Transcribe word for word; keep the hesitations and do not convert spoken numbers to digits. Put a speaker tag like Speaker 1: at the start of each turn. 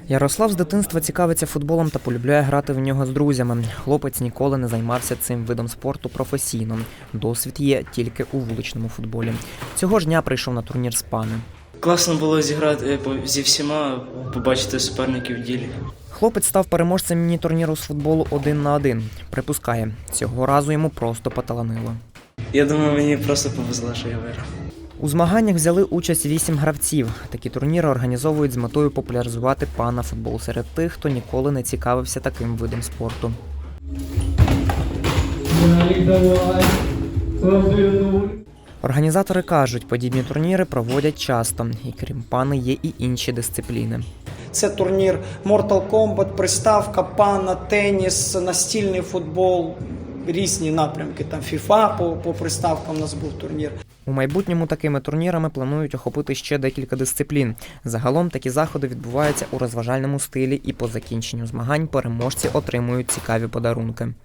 Speaker 1: Ярослав з дитинства цікавиться футболом та полюбляє грати в нього з друзями. Хлопець ніколи не займався цим видом спорту професійно. Досвід є тільки у вуличному футболі. Цього ж дня прийшов на турнір «Спани».
Speaker 2: Класно було зіграти зі всіма, побачити суперників в ділі.
Speaker 1: Хлопець став переможцем міні-турніру з футболу один на один. Припускає, цього разу йому просто поталанило.
Speaker 2: Я думаю, мені просто повезло, що я виграв.
Speaker 1: У змаганнях взяли участь вісім гравців. Такі турніри організовують з метою популяризувати пана-футбол серед тих, хто ніколи не цікавився таким видом спорту. Організатори кажуть, подібні турніри проводять часто. І крім пани, є і інші дисципліни.
Speaker 3: Це турнір Mortal Kombat, приставка, пана, теніс, настільний футбол, різні напрямки. Там FIFA по, по приставкам у нас був турнір.
Speaker 1: У майбутньому такими турнірами планують охопити ще декілька дисциплін. Загалом такі заходи відбуваються у розважальному стилі і по закінченню змагань переможці отримують цікаві подарунки.